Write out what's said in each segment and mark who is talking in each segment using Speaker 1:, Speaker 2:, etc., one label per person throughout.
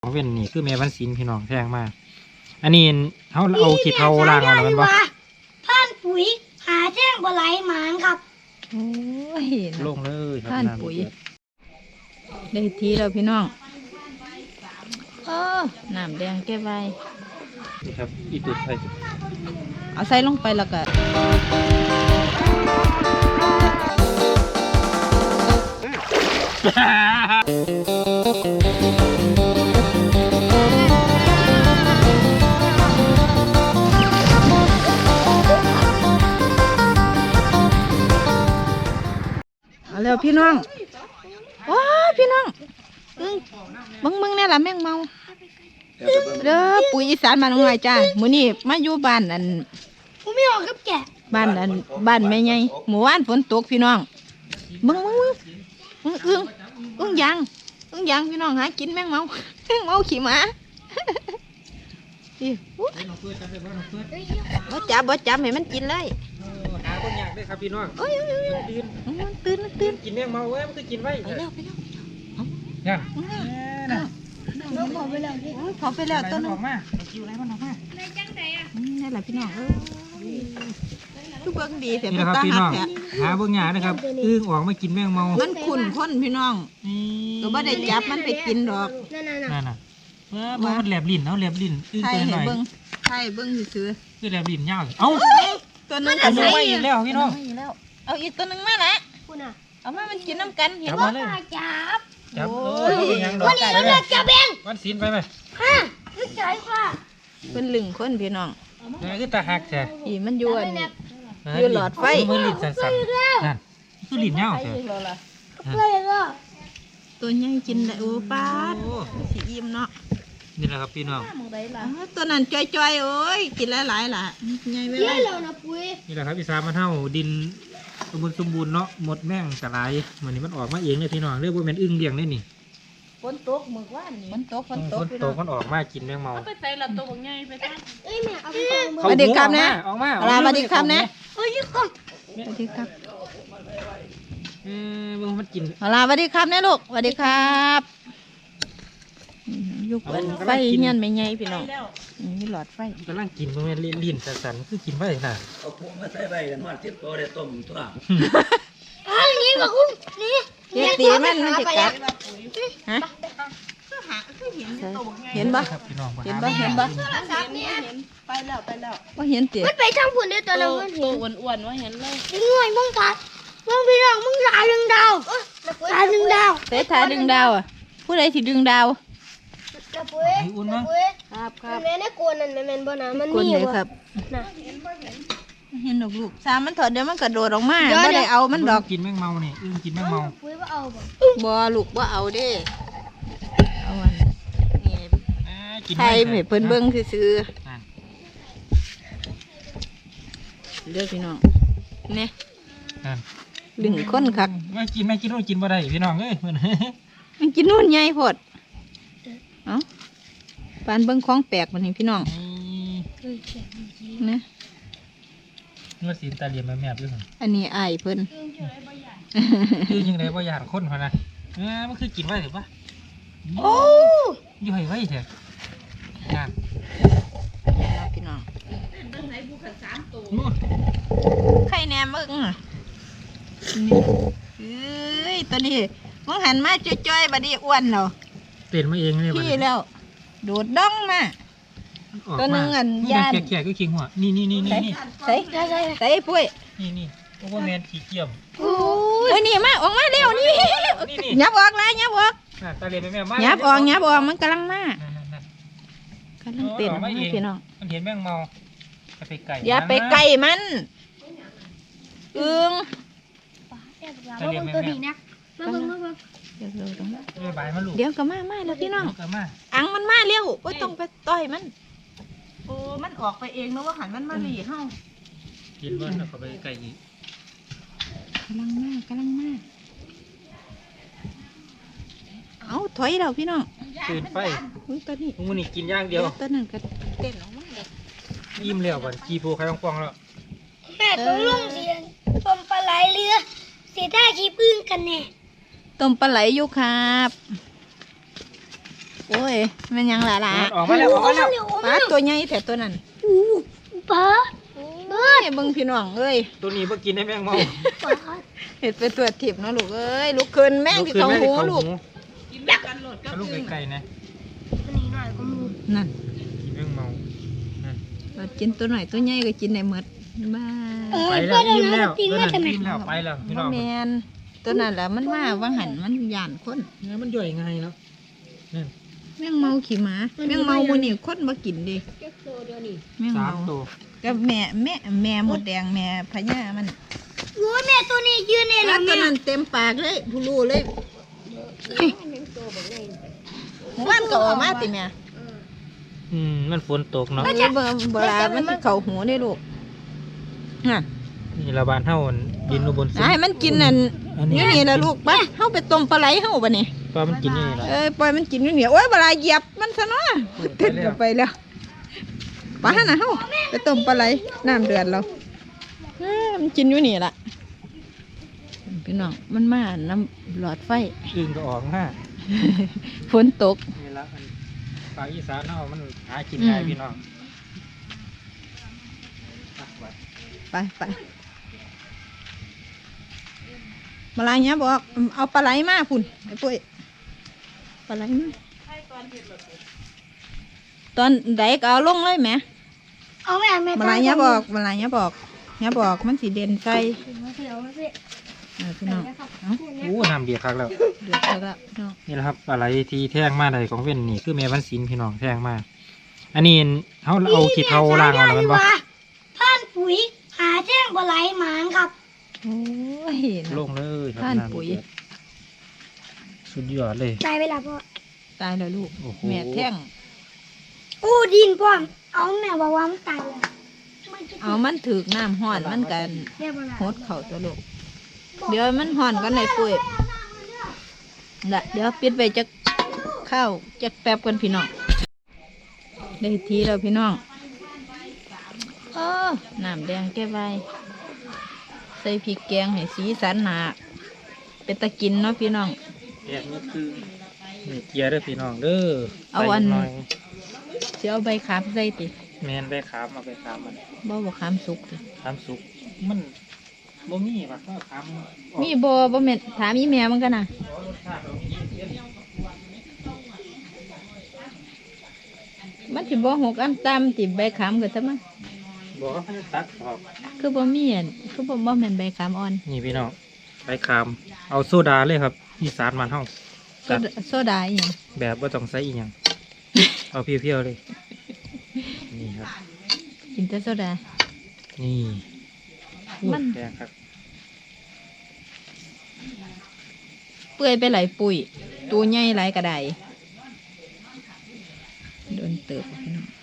Speaker 1: เว้นนี่คือแม่วันศิลป์พี่น้องแพงมากอันนี้เขาเอาขี้เทาล้างเอาแล้วมันบ่
Speaker 2: ผ่านปุ๋ยหาแจ้งปลาไหลหมานครับ
Speaker 3: โอ้ย
Speaker 1: ลงเลย
Speaker 3: ผ่านปุ๋ยได้ทีแล้วพี่น้องน้ำแดงแก้ไว้
Speaker 1: นี่ครับอีตุดไป
Speaker 3: เอาใส่ลงไปแล้วก็เอาแล้วพี่น้องว้าพี่น้องมึงเนี่ยล่ะแม่งเมาเด้อปุ๋ยอีสานมาลงไงจ้ามื้อนี้มาอยู่บ้านอัน
Speaker 2: ผมไม่ออกกับแก
Speaker 3: บ้านอันบ้านแม่ใหญ่หมู่บ้านฝนตกพี่น้องมึงอึ้งยังพี่น้องหากินแม่งเมาขี่หมาบ่จับให้มันกินเลย
Speaker 1: หาคนอยากได้ครับพี่น้อง
Speaker 3: ตื่น
Speaker 1: กินแมงเมาเว้ยมันคือกินไว้
Speaker 3: ไปแล้ว
Speaker 1: ยัง
Speaker 2: น้องพอไปแล้ว
Speaker 3: พอไปแล้วตัวนึง
Speaker 1: ออกมาคิวอะไรมันออกมา
Speaker 2: ในจังไดอ่ะ
Speaker 3: นี่แหละพี่น้องทุกเบิ้งดีแต่
Speaker 1: นี่ครับพี่น้องหาเบิ้งหยานะครับอึ้งออกมากินแมงเมา
Speaker 3: มันขุ่นข้นพี่น้องก็บ่ได้จับมันไปกินดอก
Speaker 1: นั่นน่ะมันแหลบลิ้นเอาแหลบลิ้นอึ้งตัวหน่อย
Speaker 3: ใช่เบิ้งซื่อ
Speaker 1: คือแหลบลิ้นยาวเอ้า
Speaker 3: ตัวนึง
Speaker 1: เอาไม่อีกแล้วพี่น้อง
Speaker 3: เอาอีกตัวนึงมาละเอามามันกินน้ำกันเห็น
Speaker 2: ว่า
Speaker 1: จับ
Speaker 2: วันนี้เราเลือกจับเอง
Speaker 1: วันศิลป์ไปไหม
Speaker 2: นึกใจว่า
Speaker 3: เป็นลึงคนพี่น้อง
Speaker 1: นี่คือตาหักใช่
Speaker 3: อีมันยวนอยู่หลอดไฟ
Speaker 1: มือลิ้นสั่นๆนั่นคือลิ้นยาวใช่
Speaker 3: ตัวใหญ่กินได้โอ้ป้าสีอิ่มเนาะ
Speaker 1: นี่แหละครับพี่น้อง
Speaker 3: ตัวนั้นจ้อยๆโอ้ยกินหลายๆล่ะใหญ่ไปเลย
Speaker 1: นี่แหละครับอีสานมันเท่าดินสมบูรณ์เนาะหมดแม่งกระไรมันนี่มันออกมาเองเลยพี่น้องเรียกว่าเป็นอึ้งเลี้ยงได้นี่
Speaker 3: ฝนตกเมื่อวานนี่ฝนตก
Speaker 1: มันออกมากินแมงเมา
Speaker 3: ไปใส่ละตัวใหญ่ไปตั้ง
Speaker 2: แม่เอาไป
Speaker 3: สวัสดีครับนะ
Speaker 1: ออกมา
Speaker 3: สวัสดีครับนะ
Speaker 2: สวัสดีครับ
Speaker 3: สวัสดีครับ
Speaker 1: มันกิน
Speaker 3: สวัสดีครับนะลูกสวัสดีครับยุกไฟเงี้ยไม่ใหญ่พี่น้องมีหลอดไฟ
Speaker 1: กำลังกินมันลิ้นสั่นๆคือกินไว้น่ะ
Speaker 4: เอาพวกมาใส่ไว้กันว่า10 ตัวได้ต้มตัว
Speaker 2: นี่บอกคุณนี่
Speaker 3: ตีมันจะกัดฮะเห็นปะเห็นปะไปแล้วว่าเห็นตี
Speaker 2: มันไปทางฝุ่นได้ตัวเราเห็น
Speaker 3: อ้วนว่าเห็นเลย
Speaker 2: ดึงหน่อยมึงตัดมึงพี่น้องมึงถ่ายดึงดาวถ่ายดึงดาว
Speaker 3: เตะถ่ายดึงดาวอ่ะผู้ใดที่ดึงดาว
Speaker 2: ครับแม่ในกวนนั่นแม่นบ่นะมันมีอยู่
Speaker 3: ครับเห็นลูกสามมันถอดเดี๋ยวมันกระโดดออกมาไม่ได้เอามันดอก
Speaker 1: กินแมงเมาเนี่ยกินแมงเมา
Speaker 3: บ่ลูกบ่เอาเด้เอาอันนี่ไทยเพิ่นเบิ่งซื่อเด้อพี่น้องเนี่ยลึงคนคัก
Speaker 1: ไม่กินนู่นกินบ่ได้พี่น้องเอ้ย
Speaker 3: มันกินนู่นใหญ่โพดเอ้าปานเบิ่งของแปลกมันนี่พี่น้องนะ
Speaker 1: ว่าสีตาเหลี่ยมแมบด้วย
Speaker 3: อันนี้อายเพิ่น
Speaker 1: คือยังไงว่าอยากคนพอนะมันคือกินไว้หรือปะ
Speaker 3: โอ้
Speaker 1: ย่อยไว้เถอะงาน
Speaker 3: พี่น้องไข่แหนมมึงเอ้ยตัวนี้มึงหันมาจ้อยๆบัดนี้อ้วนเหรอ
Speaker 1: เปลี่ยนมาเองเลย
Speaker 3: พี่แล้วโดดดองมาตัวนึงอันยาน
Speaker 1: แก่ก็คิงหัวนี่
Speaker 3: ใส่ปุ้ย
Speaker 1: นี่โอ้โหแมนขี้เกียจ
Speaker 3: โอ้ยนี่มาออกมาเร็วนี่ยับออกแล้วยับออก
Speaker 1: ตาเหลี่ยมแม่มา
Speaker 3: ยับออกมันกำลังมากำลังเต้นพี่น้อง
Speaker 1: มันเห็นแมงเมาไปไก่
Speaker 3: อย่าไปไก่มัน
Speaker 2: ตัวนี้นะมาเบิ่ง
Speaker 3: เดี๋ยวก็มาแล้วพี่น้องอังมันมาเร็วก็ต้องไปต่อยมันโอ้มันออกไปเองนะว่าหันมันมาหลีเฮา
Speaker 1: กินบ้านเขาไปไก่อีก
Speaker 3: กำลังมาเอาถอยเราพี่น้อง
Speaker 1: ตื่นไฟ
Speaker 3: ตัวนี้
Speaker 1: มึงนี่กินย่างเดียว
Speaker 3: ตัวนึงก็เต้นออกมาเลย
Speaker 1: ยิ้มแล้ววันกีโพใครฟองแล้ว
Speaker 2: แม่ต้องลงเรียนต้มปลาไหลเรือเสียได้ขี้พึ่งกันแน่
Speaker 3: ต้มปลาไหลอยู่ครับโอ้ยมันยังล่ะ
Speaker 1: ออกมาแล้วออกมาแล้ว
Speaker 3: ปลาตัวใหญ่แถวตัวนั้น
Speaker 2: อู้ปลา
Speaker 3: เอ้ยเบิ่งพี่น้องเอ้ย
Speaker 1: ตัวนี้บ่กินได้แมงเมา
Speaker 2: ปลา
Speaker 3: เห็ดเป็นตัวทิพย์เนาะลูกเอ้ยลูกคืนแม่งที่เขาหูลูก
Speaker 1: เอาลูกไก่ๆนะ
Speaker 2: อันนี้หน่อยก็มู
Speaker 3: นั่น
Speaker 1: กินแมงเมานั่น
Speaker 3: เรากินตัวหน่อยตัวใหญ่ก็กินได้หมดบ้า
Speaker 1: ไปแล้วอิ่มแล้วตัวนั้นอิ่มแล้วไปแล้วพี่น้อง
Speaker 3: แมนตัวนั้นแหละมันมาว่างหันมันย่านคน
Speaker 1: เนื้อมันย่อยง่ายแล้วนั่น
Speaker 3: แมงเมาขี่หมาแมงเมาบ่นี่คนบ่กินดิแมง
Speaker 1: สา
Speaker 3: เมาม
Speaker 1: ตัว
Speaker 3: กับแม่หมดแดงแม่พญามัน
Speaker 2: โอ้ยแม่ตัวนี้ยืนเนี่ย
Speaker 3: แล้
Speaker 2: แล้ว ว
Speaker 3: ตัว
Speaker 2: แม่
Speaker 3: นั้นเต็มปากเลยผู้รู้เลยมันก็ออกมาติแม่
Speaker 1: มันฝนตกเนาะ
Speaker 3: มันจะเวลามันสิเข้าหูได้ลูกฮะ
Speaker 1: นี่ละบานเฮาดินอุบลสุ
Speaker 3: ให้มันกินนั่นอยู่นี่ล่ะลูกไปเฮาไปต้มปลาไหลเฮาบัดนี้
Speaker 1: ปลามันกินนี่ละ
Speaker 3: ปล่อยมันกินอยู่นี่โอ้ยเวลาเหยียบมันซะเนาะเต้นกันไปแล้วไปหั่นน่ะเฮาไปต้มปลาไหลน้ำเดือดแล้วมันกินอยู่นี่ล่ะพี่น้องมันมาน้ำหลอดไฟ
Speaker 1: อึ่งก็ออกมา
Speaker 3: ฝนตก
Speaker 1: นี่ละมันปลาอีสานเฮามันหากินง่ายพี่น้อง
Speaker 3: ไปมาลายเนี้ยบอกเอาปลาไหลมาพุ่นไอ้ปุ้ยปลาไหลมาตอนใดก็เอาลงเลยแหม
Speaker 2: เอาแม่แม่
Speaker 3: มาลายเนี้ยบอกมาลายเนี้ยบอกเนี้ยบอกมันสีเด่นใจ
Speaker 2: เอาแม่
Speaker 3: พี่น้องเอา
Speaker 1: โอ้น้ำเดือดคักแล้ว
Speaker 3: เดือดแล้วพี่น้อง
Speaker 1: นี่แหละครับอะไรที่แท่งมาใดของเว้นนี่คือแม่วันศิลป์พี่น้องแท่งมาอันนี้เขาเอาขี้เทาล่างเอาแล้วมันบ่
Speaker 2: ท่านปุ๋ยหาแจ้งปลาไหลหมานครับ
Speaker 3: โอ้ย
Speaker 1: ลงเลยครับ
Speaker 3: ท่าน
Speaker 1: ำ
Speaker 3: ปุ๋ย
Speaker 1: เดือดสุดยอดเลย
Speaker 2: ได้เวลาพ่อ
Speaker 3: ตายแล้วลูก
Speaker 1: โอ้โห
Speaker 3: แม่แท่ง
Speaker 2: อู้ดินพ่อเอาแม่บอกว่ามันตายแล้ว
Speaker 3: เอามันถือกน้ำห้อนมันกัน
Speaker 2: เรียบร้อย
Speaker 3: โหดเข่าตัวลูกเดี๋ยวมันห่อนกันเลยปุ้ยละเดี๋ยวปิดไปจะเข้าจะแป๊บกันพี่น้องได้ทีแล้วพี่น้องน้ำแดงแก้ใบใส่พริกแกงให้สีสันหนาเป็นตะกินเนาะพี่น้อง
Speaker 1: แดดนี่คือนี่เกียร์เด้อพี่น้องเด้อ
Speaker 3: เอาอัน
Speaker 1: ใส่หน่อย
Speaker 3: เสียเอาใบขามใส่ติ
Speaker 1: แมนไปขามเอาไปขามมัน
Speaker 3: บ่ขามสุกติ
Speaker 1: ขามสุกมันบ่มีว่ะก็ขามออก
Speaker 3: มีบ่แม่นถามอีแม่มันกันนะ
Speaker 1: รสชาติเรามีเย็น
Speaker 3: มันสิบ่หกอันตามติใบขามก็ซะมั้ง
Speaker 1: บอกว่าเขาจะตัดออก
Speaker 3: คือบ่มีอันคือบ่แม่นใบขามอ่อน
Speaker 1: นี่พี่น้องไปขามเอาโซดาเลยครับอีสานมันเฮา
Speaker 3: โซดาอีหยัง
Speaker 1: แบบว่าต้องใส่อีหยัง เอาเพียวๆเลย นี่ครับ
Speaker 3: กินแต่โซดา
Speaker 1: นี่
Speaker 3: มัน
Speaker 1: แดงครับ
Speaker 3: เปื่อยไปหลายปุ๋ยตัวใหญ่หลายกระไดโดนเติบพี่น้อง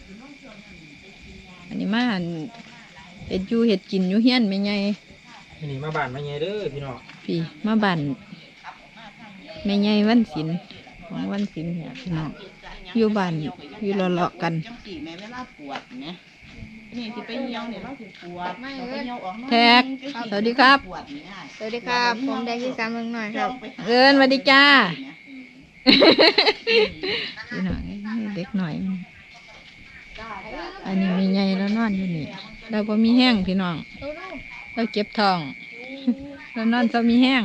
Speaker 3: อันนี้มาหั่นเห็ดอยู่เห็ดกินอยู่เฮียนไม่ไง
Speaker 1: นี่มาบ้านมาไงเด้อพี่น้อง
Speaker 3: พี่มาบั่นไม่ไงวันศิลป์ของวันศิลป์เนี่ยพี่น้องอยู่บ้านอยู่เลาะๆกัน
Speaker 5: กี่แม่เวลาปวดเนี่ยนี่ที่ไปเหี่ยวเนี่ยเราถึงปวดเราไปเหี่ยวออก
Speaker 3: แท็กสวัสดีครับ
Speaker 5: ปวดเนี่ย
Speaker 2: สวัสดีครับผมแดงที่3เมืองหน่อยครับ
Speaker 3: เอินสวัสดีจ้าพี่น้องเด็กหน่อย อันนี้มีไงแล้วนอนอยู่นี่เราพอมีแห้งพี่น้องเราเก็บทองเรานอนเรามีแห้ง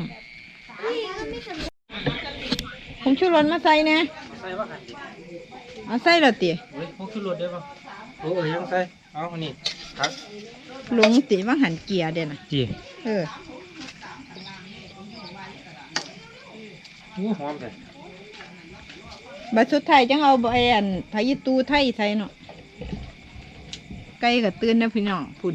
Speaker 3: ผมชูรสมาใส่เนี่ย
Speaker 1: ใส่ว่าหันดิ
Speaker 3: เอาใส่และติ
Speaker 1: เฮ้ยพวกขึ้นรถได้ป่ะโอ้ยยังใส่เอาอันนี้ครับ
Speaker 3: หลงติว่าหันเกียร์เด่นะ
Speaker 1: จี
Speaker 3: เออ
Speaker 1: โอ้หอมเลย
Speaker 3: บัดสุดท้ายจังเอาใบอันพายิตูไทยใส่เนาะไก่กับตื่นนะพี่น้องพุ่น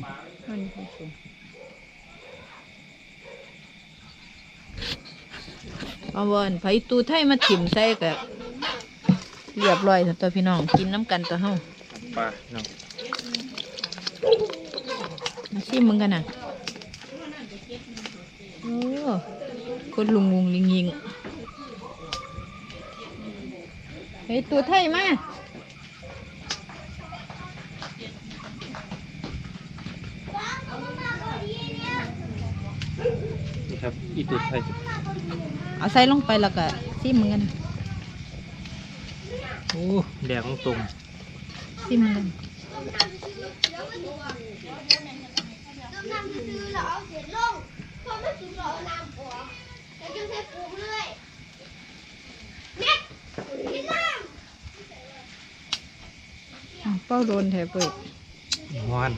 Speaker 3: เอาบอนพายิตูไทยมาถิ่มใส่กับเรียบร้อยแล้วตัวพี่น้องกินน้ำกันตัวเฮา
Speaker 1: ปลาเนาะ
Speaker 3: มาชิมมึงกันนะโอ้คนลุงงลิงยิงเฮ้ยตัวไทยมา
Speaker 1: นี่ครับอีตุดไทย
Speaker 3: เอาใส่ลงไปแล้วก็ชิมมึงกันนะ
Speaker 1: โอ้แดงตรง
Speaker 3: ซิมเลย
Speaker 2: น้ำซื้อเราเอาเสร็จลงพอไม่ถึงเราเอาน้ำออกแล้วจึงใช้ปรุงเลยเม็ดกินน้
Speaker 3: เป้าโดนแถบเปิด
Speaker 1: งอน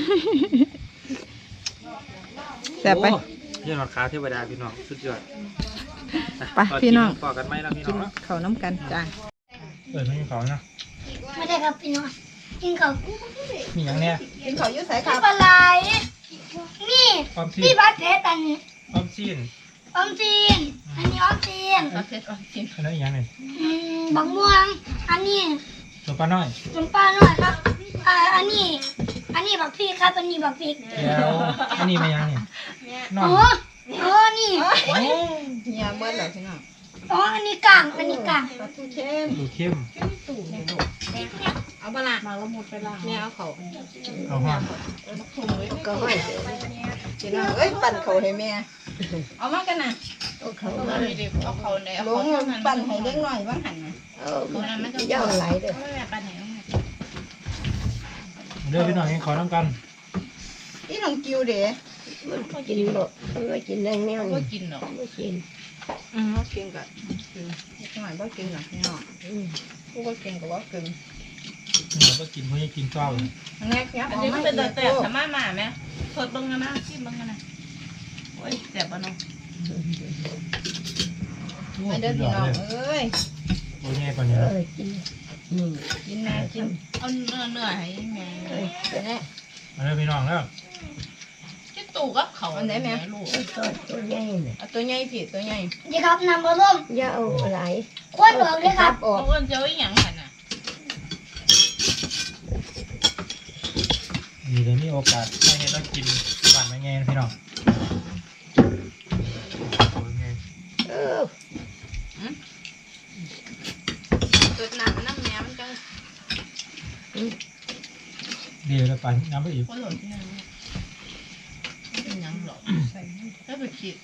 Speaker 3: แซ่บไป
Speaker 1: โอ้เรื่องราคาเทวดาพี่น้องสุดยอด
Speaker 3: ไปพี่น้อง
Speaker 1: ต่อกันไหมล่ะพี่น้
Speaker 3: กิ
Speaker 1: อง
Speaker 3: น
Speaker 1: เนาะ
Speaker 3: ข้าวน้ำกันจ้า
Speaker 1: ไม่มีเขานะ
Speaker 2: ำไม่ได้ครับพี่น้องกินกับ
Speaker 1: มีอย่างเนี้ย
Speaker 3: กินข้าวยุ่ใส่ค
Speaker 2: กั
Speaker 3: รั
Speaker 2: บบ ปลาไหลนี่
Speaker 1: ออมซี
Speaker 2: นี่
Speaker 1: น
Speaker 2: บัตรเพชรอันนี้
Speaker 1: ออมซีน
Speaker 2: ออมจีนอันนี้ออมจีน
Speaker 5: เอาเสร็จก่อนกิน
Speaker 1: อันนั้นอีกอย่างหนึ่ง
Speaker 2: บักม่วงอันนี้
Speaker 1: ตัวปลาน้อย
Speaker 2: น้ำปลาหน่อยครับอันนี้บักพริกครับอันนี้บักพริก
Speaker 1: แล้วอันนี้ไม่ยังนี่นอ
Speaker 2: อ๋
Speaker 1: น
Speaker 2: นี่
Speaker 1: โอ้
Speaker 3: เฮียเบิ้ลเหรอพี่น้อง
Speaker 2: อันนี้กลางอันนี้กลาง
Speaker 3: ปลาทูเข้ม
Speaker 1: ดูเข้ม
Speaker 3: เอาปลาละ
Speaker 5: มาแล้วหมดไปละ
Speaker 3: แม่เอาเขา
Speaker 1: เอาห้อน
Speaker 3: ก็ห้อยพี่น้องเอ้ยปั่นเขาให้แม่เอามากันนะ
Speaker 5: เอาเขาไหนเอา
Speaker 3: ล
Speaker 5: เขา
Speaker 3: ง
Speaker 5: เท่านั้น
Speaker 3: ปั่นให้เด็กหน่อยบ้างหันนะ
Speaker 5: ตัวนั้นมันจะยาวไหลเด้อไม่แม่ปันไหนเอามา
Speaker 1: เดี๋ยวพี่น้องกินขอน้ำกัน
Speaker 3: อีน้องกิวเด้
Speaker 5: กินหรอกไม่กินแรงแนวก็กินหรอกไม่กิน
Speaker 3: เขากินกับกินเด็กหน่อยบ่กินหรอกพี่น้องผู้บ่กินก็บ่กิน
Speaker 1: เราก็กินเพื่อกินเจ้าเลย
Speaker 3: อันนี้ครับ
Speaker 5: อันนี้มันเป็นแต่สามารถมาไหมสดเบิ้งกันนะชิมเบิ้งกันนะโอ้ยแซ่บปะน้อง
Speaker 3: อันเด้อพี่น้องเอ้ย
Speaker 1: ตัวใหญ่กว่านี้
Speaker 3: กินแม่กิน
Speaker 5: เอาเนื้อให้แม่
Speaker 3: เป็นไง
Speaker 1: มาเลยพี่น้องแล้ว
Speaker 5: คิดตู่กับเขาลูก
Speaker 3: เอาตัวใหญ่ผิดตัวใหญ่
Speaker 2: นี่ครับน้ำกระล่ม
Speaker 6: อย่าเอาหลาย
Speaker 2: ควนออกเลยครับ
Speaker 3: ออก
Speaker 5: เอาเงินเจ้าอีหยังกันน่ะ
Speaker 1: มีเลยมีโอกาสไม่ให้ต้องกินหวานไม่ไงพี่น้องโอ้ยไง
Speaker 6: เออ
Speaker 3: ตัวน้ำแม่มันจัง
Speaker 1: เดี๋ยวเราไปน้ำไปอีก
Speaker 5: คนหล่นที่นั่นเป็นหยังหรอกแล้วไปคิด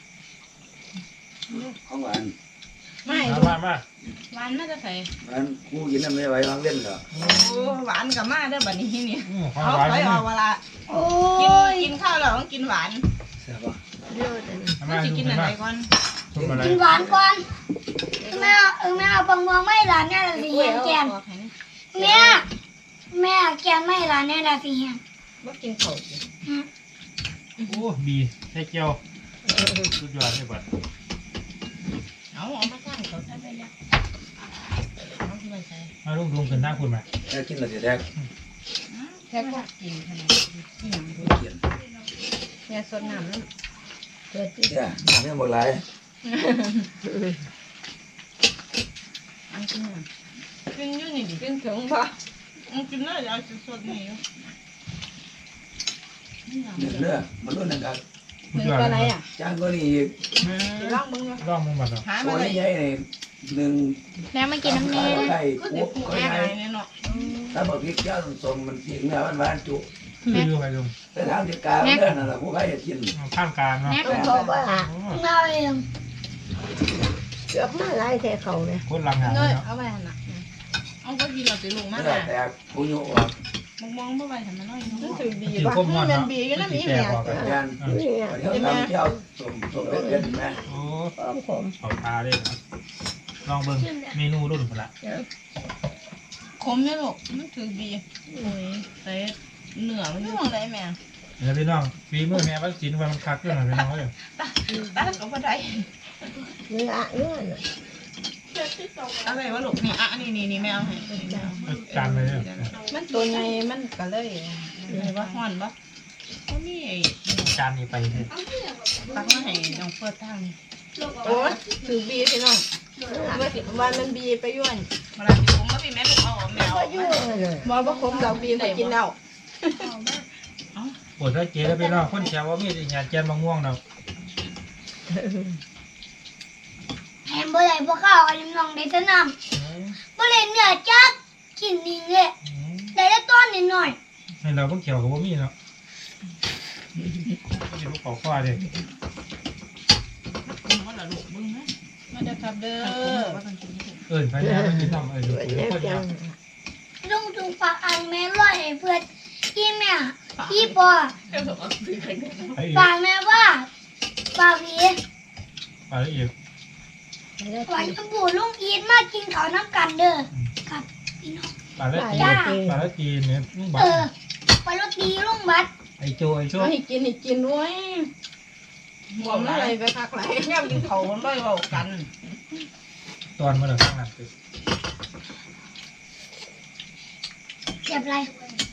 Speaker 4: ของหวาน
Speaker 3: ไม่
Speaker 1: มามา
Speaker 5: หวานน่าจะใส่
Speaker 4: หวานกูกินน้ำไม่ไหววางเล่นเหรอ
Speaker 3: โอ้หวานกับมาเด้อบัดนี้นี่
Speaker 1: ควา
Speaker 3: เอา
Speaker 1: มหวาน
Speaker 3: ไป
Speaker 1: นี่
Speaker 3: เอาเวลา
Speaker 2: โอ้
Speaker 3: กินข้าวแล้วต้องกินหวาน
Speaker 4: ใช่ปะ
Speaker 6: เยอะแต่นี่
Speaker 1: มา
Speaker 3: สิ
Speaker 1: ดู
Speaker 3: กิน
Speaker 1: กัน
Speaker 3: อะไร
Speaker 1: มา
Speaker 3: ก่อน
Speaker 1: ทุกอะไร
Speaker 2: กินหวานก่อนแม่เอาปังม่วงไม่หลานแน่ละสิเฮียนแกนแม่แกนไม่หลานแน่ละสิเฮียน
Speaker 3: บ่กินข้าว
Speaker 1: โอ้บีใส่เจียวสุดยอดเลยบัด
Speaker 5: เอามาสร้างเขาได้ไหมล่ะเอาที่มันใส่
Speaker 1: มาลุงลุงขึ้นหน้าคุณมา
Speaker 4: แค่กินแล้วจะแดก
Speaker 3: แค่ก็
Speaker 5: กินขนาด
Speaker 3: กินหยัง
Speaker 4: เขียน
Speaker 3: แม่สดน้ำนั่น
Speaker 4: เนี่ยน้ำยังบ่หลาย
Speaker 3: อันกินหยัง
Speaker 5: กินอยู่นี่ดิ
Speaker 3: กินถึงบ่
Speaker 5: กินเลยเอาสดๆนี่
Speaker 4: เนื้อมันรุ่นนึงครับ
Speaker 1: สุด
Speaker 3: ถึง
Speaker 1: ยอด
Speaker 3: ปลา
Speaker 1: เล
Speaker 3: ไหล
Speaker 1: ย
Speaker 3: อ่ะ
Speaker 4: จานก็นี่อีก
Speaker 3: สิลองเบิ่งว่า
Speaker 1: ลองมึงบัดเหรอ
Speaker 3: หา
Speaker 4: ตั
Speaker 3: มาว เลย
Speaker 4: ใหญ่ๆนี่หนึ่ง
Speaker 2: แม่ไม่กินน้ำแน่
Speaker 4: ไข่กุ๊กก็
Speaker 5: แม่
Speaker 4: ใหญ่
Speaker 5: ไงเนี่ยเนาะ
Speaker 4: ถ้าบอกพริกเจ้าสมมันสีเนื้อหวานๆจุ
Speaker 1: คืออยู่ไปลุง
Speaker 4: แต่ทางที่กลางเนื้อนั่นแหละผู้ใครจะกิน
Speaker 1: ข้างกลางเนาะ
Speaker 6: ต้องบอกว่า
Speaker 2: เราเอง
Speaker 6: เกือบมาหลายแท้เขาเนี่ย
Speaker 1: โคตรลังงาน
Speaker 3: เน
Speaker 1: เลย
Speaker 3: ย
Speaker 1: เนาะ
Speaker 3: เอาไว้หั่นน่ะ
Speaker 5: เอาก็กินเราจะลงมา
Speaker 4: เนื้อ
Speaker 5: น่ะ
Speaker 4: แตกผู้ยุออก
Speaker 5: มองบ่ไปทำมันน้อย
Speaker 3: มัน
Speaker 5: เนาะ
Speaker 3: ถือบีบ่มันบีอยู่นะมีแม่
Speaker 4: ยัน
Speaker 6: นี่ไง
Speaker 4: เดี๋ยวทำเจ้าสมเป็นไหม
Speaker 1: โอ้
Speaker 6: พร้อมผม
Speaker 1: เขาตาเลยนะลองเบิ่งเมนูรุ่นคนละ
Speaker 5: คมเนี่ยลูกมันถือบีโอ้ยใส่เนื้อมันอยู่ตรงไหนแม่
Speaker 1: เดี๋ยวพี่น้องฝีมือแม่วัดศิลป์ว่ามันคักเรื่องอะไรพี่น้องเลย
Speaker 5: ตาก็บ่ได้
Speaker 6: เนื้อน่ะ
Speaker 5: อะไรวะลูกนี่อ่ะนี่แมวให้
Speaker 1: จานเลยเนี่ย
Speaker 3: มันตัวใหญ่มันก็เลย
Speaker 5: นี่ว่าฮ้อนบ่ก็มีไอ้
Speaker 1: จานนี้ไปเลย
Speaker 5: ตักมาให้น้องเฟิร์สทาง
Speaker 3: โอ้ยถือบีพี่น้องวันมันบีไปย้วน
Speaker 5: เวลาสิผมก็มีแม่ลูกเอาแมว
Speaker 6: เยอะเลย
Speaker 3: บ่คมเราบีไปกินแล้ว
Speaker 1: ปวดท้ายเจ๊แล้วพี่น้องคนแชร์ว่ามีแต่งานแจนมะม่วงเนาะ
Speaker 2: แถมบ่ได้บ่ข้าวอันนี้น้องได้แต่น้ำบ่ได้เนื้อจักกินนี่เลยได้แต่ต้นนิดหน่อย
Speaker 1: ให้เราเพิ่งเขียวกับว่ามีเนาะก็จะลูกขอข้อเลย
Speaker 5: มันละลูกมึงนะ
Speaker 3: มาเด้อครับเด้อ
Speaker 5: ว่าต้องกิน
Speaker 1: พญามันกินน้ำดู
Speaker 6: แม่จัง
Speaker 2: ลุงจุงฝากอันแม่ร้อยให้เพื่อนพี่แม่พี่ปอ
Speaker 5: เจ้าบอกว่าซื้อใครกัน
Speaker 1: ไอ้อีก
Speaker 2: ฝากแม่ว่าฝากพี่
Speaker 1: ปลาละเอียด
Speaker 2: ฝากชมพูลุงอีทมากินข้าวน้ำกันเด้อครับพี่น้อง
Speaker 1: ปลาละ
Speaker 2: จ้า
Speaker 1: ปลาละกีเนี่ยลุงบัต
Speaker 2: ไปรถดีลุงบัด
Speaker 1: ไอ้โจไอ้โจ
Speaker 5: ให้กินด้วยหอมอะไรไปคักไหลย่ำกินเขามันไม่เบากัน
Speaker 1: ตอนมาเลยข้างนั้นคือ
Speaker 2: เจ็บอะไร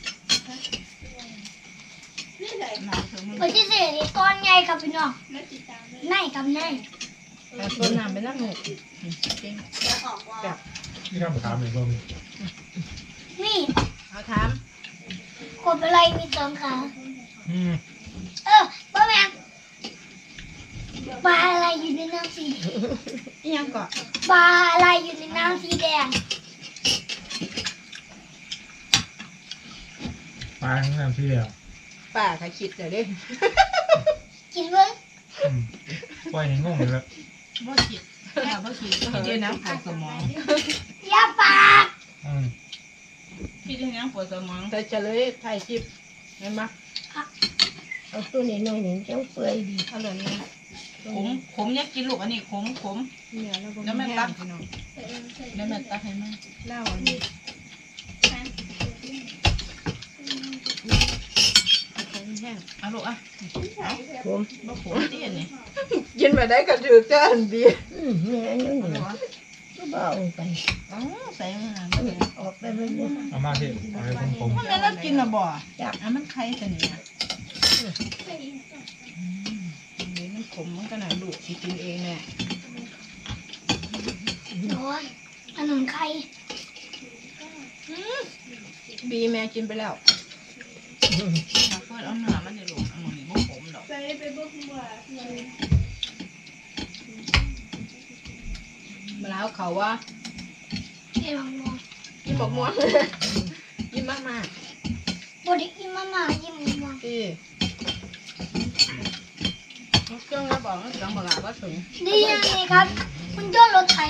Speaker 5: น้ำเธอมัน
Speaker 2: วันที่สี่นี่ก้อนใหญ่กับพี่น้องในกับใน
Speaker 5: แต่ส่วนน้ำเป็นน้ำหมูจริง
Speaker 1: ที่ข้ามถามเลยว่ามี
Speaker 2: นี่
Speaker 5: เอาถาม
Speaker 2: กบอะไรมีสองขา ป้าแมงปลาอะไรอยู่ในน้ำสี
Speaker 5: อีหยังก่อน
Speaker 2: ปลาอะไรอยู่ในน้ำสีแดง
Speaker 1: ปลาข้างน้ำที่เดียว
Speaker 5: ป้าใครคิดเดี๋ยวดิ
Speaker 2: กินเบิ้ง
Speaker 1: ปล่อยให้งงเลยแบบ
Speaker 5: บ่คิดบ่คิดคิดด้วยน้ำปวดสมอง
Speaker 2: อย่าปาก
Speaker 5: คิดด้วยน้ำปวดสมองแต่จะเลยถ่ายคลิปเห็นไหม
Speaker 6: เอาตัวนี้หน่อยหนึ่งจังเปื่อยดี
Speaker 5: เอาเลยนี่ขมเนี่ยกินลูกอันนี้ขมแล้วแม่ตักแล้วแม่ตักให้แม่เล่าอันนี้เอาลูกอ่ะ
Speaker 6: ผม
Speaker 5: บ่ขมตีอันนี้
Speaker 3: กินไปได้ก็ถือจะอันดี
Speaker 6: แม่อันนี้ก็เบาไป
Speaker 5: อ๋อใส่มา
Speaker 6: ออกไปเลยเนี่ย
Speaker 1: เอามาที่เอาให้ผม
Speaker 5: มันไม่ได้กินนะบ่จับมันไข่ตัวนี้นี่มันขมมันก็หน่อยลูกกินเองแน่
Speaker 2: โอ้ยขนมไข่
Speaker 5: บีแม่กินไปแล้วเพื่อนเอาเนื้อมันในลูกอันนี้บ่ขมดอกมาแล้วเขาว่า
Speaker 2: เดี๋ยวลองมอง
Speaker 5: ยิ้มบอกม้วนยิ้มมาก
Speaker 2: บไดกินมาม่ายิ้มมอง
Speaker 5: ๆที่เครื่องกระบอกเครื่องบอกว่าถึง
Speaker 2: ดีนะนี่ครับคุณเจ้ารถไถ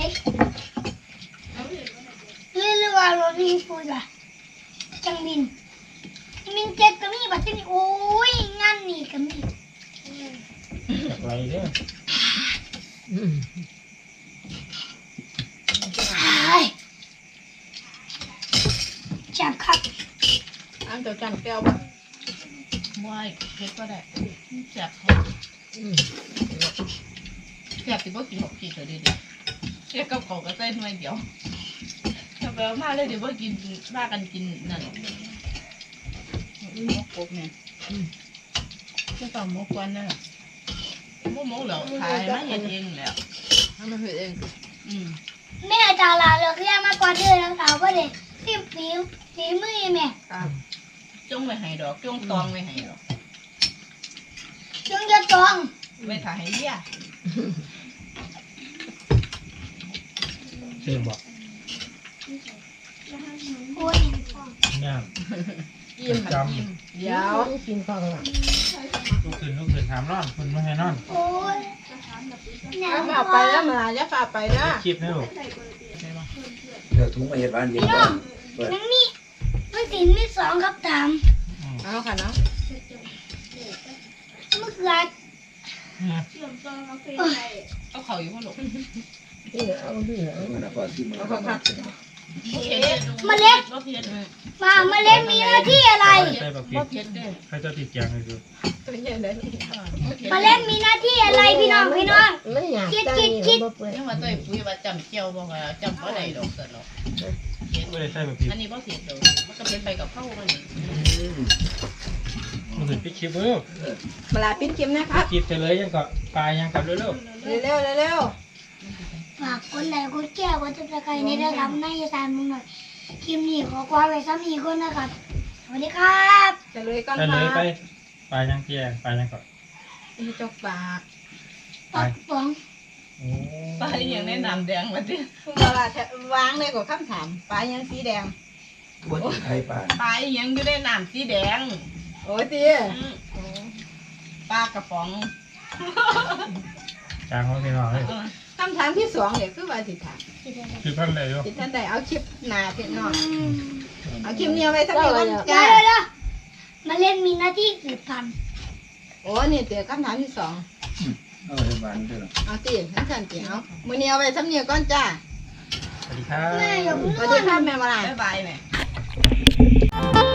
Speaker 2: เรียกว่ารถวิ่งฟูดอะจังบินมินเจ็ดก็มีบัตรนี่โอ้ยงานนี่ก็มี
Speaker 1: จากไรเนี่ย
Speaker 2: จับครับ
Speaker 5: อันเดียวจันแก้วบ่ไม่เผ็ดก็ได้แซ่บแซ่บสิบ่กินหกขีดเถอะดิแค่กับเขาก็ใส่หน่วยเดียวถ้าไปเอามาเลยเดี๋ยวบ่กินว่ากันกินนั่นมกกบเนี่ยจะต้องมกกวนนั่นแหละมกแล้วขายมาเห็นเองแล้วทำมาเห็นเอง
Speaker 2: แม่จาลาเลือกเรียกมากกว่าเดือนแล้วสาวว่าเด็กฝีมือแม่
Speaker 5: จงไว้ให้ดอกจงตองไว้ให้ดอก
Speaker 2: จงจะตอง
Speaker 5: ไว้ถ่ายให้เลี้ย
Speaker 1: เสียงบอก
Speaker 2: โอ้ย
Speaker 1: เนี่ย
Speaker 5: ยิ้มหันยิ้มเดี๋ยว
Speaker 6: กินข้าวหลัง
Speaker 1: ลูกคืนถามนอนคุณไม่ให้นอน
Speaker 2: โอ้ยเนี่ย
Speaker 5: ฝากไปแล้วมาจะฝากไปนะ
Speaker 1: คลิปนะลูก
Speaker 4: เดี๋ยวถุงมาเห็ดบ้านเย็นก่อนเปิด
Speaker 2: มันมีมันติดมีสองครับถาม
Speaker 5: เอาค่ะเนาะ
Speaker 2: มะเขือ
Speaker 5: เอาเข่าอยู่พ่อหลง
Speaker 6: เอาเดือด
Speaker 4: มันก็ที่มัน
Speaker 5: เอา
Speaker 4: ก็
Speaker 5: เข่าค่ะ
Speaker 2: เมล็ด
Speaker 5: บ่เพียรเลย
Speaker 2: เมล็ดมีหน้าที่อะไร
Speaker 1: ใส่แบบ
Speaker 5: บ่
Speaker 1: ผิด
Speaker 5: เพียรเลย
Speaker 1: ใครจะติดแกงเลยดู
Speaker 5: ตัวใหญ่เลย
Speaker 2: เมล็ดมีหน้าที่อะไรพี่น้อง
Speaker 6: มันอยากได้เนี่ยบ่เปื่อย
Speaker 5: ยังว่าตัวปุ๋ยว่าจำเจียวบ่ว่าจำบ่ได้ดอกสนอก
Speaker 1: ไม่ได้ใส่แบบผิด
Speaker 5: อันนี้บ่เพียรดอกมันก็เพียรไปกับข้าวมันนี่
Speaker 1: มันถึงปิดคลิปเร็ว
Speaker 3: เวลาปิ้นเค็มนะค
Speaker 1: ปิ
Speaker 3: รั
Speaker 1: ด
Speaker 3: บ
Speaker 1: คลิปไปเลยยังก็ปลายยังกับเร็ว
Speaker 3: เร็วเร็ว
Speaker 2: ฝากคนไหนคนแก้วก็จะไปในระดับในสารมึงหน่อยคลิปนี้ขอความไว้ซ้ำอีกคนนะครับสวัสดีครับ
Speaker 3: จะเลยก่อน
Speaker 1: ไป
Speaker 3: ค
Speaker 1: เล
Speaker 3: รั
Speaker 1: ยไป
Speaker 3: บ
Speaker 1: ปลายยังแกงปลายยังก่อน
Speaker 3: จกปาก
Speaker 2: ปักป๋อง
Speaker 1: โอ้
Speaker 5: ไปอย่างในน้ำแดงมาดิ
Speaker 3: เวลาวางเลยกว่าคำถามปลายังสีแดง
Speaker 4: บนไข่ปลา
Speaker 5: ไปอย่างอยู่ในน้ำสีแดง
Speaker 3: โอ้ยตี
Speaker 5: ปลากระป๋อง
Speaker 1: จางเขาไปหน่อย
Speaker 5: ถ้
Speaker 3: ำถามที่2เนี่ยคือว่าสิถาม
Speaker 1: คือพันเลยอยู่
Speaker 3: สิท่านใดเอาคลิปหน้าพี่น้องเอาคลิปนี้เอาไว้สักนิดก่อน
Speaker 2: เดี๋
Speaker 3: จ้า
Speaker 2: ยวมาเล่นมีหน้าที่สืบพันธุ์
Speaker 3: โอ้นี่เตี๋ยคำถามที่2
Speaker 4: เอาเฮ็ดบ้านเด้อ
Speaker 3: เอาสิทั้งสันติเอามื้อนี้เอาไว้สักนิดก่อนจ้า
Speaker 1: สวัสดีครับ
Speaker 2: แม่อย่าเพิ่ง
Speaker 3: สวัสดีครับแม่มาลาย
Speaker 5: บ๊ายบายแม่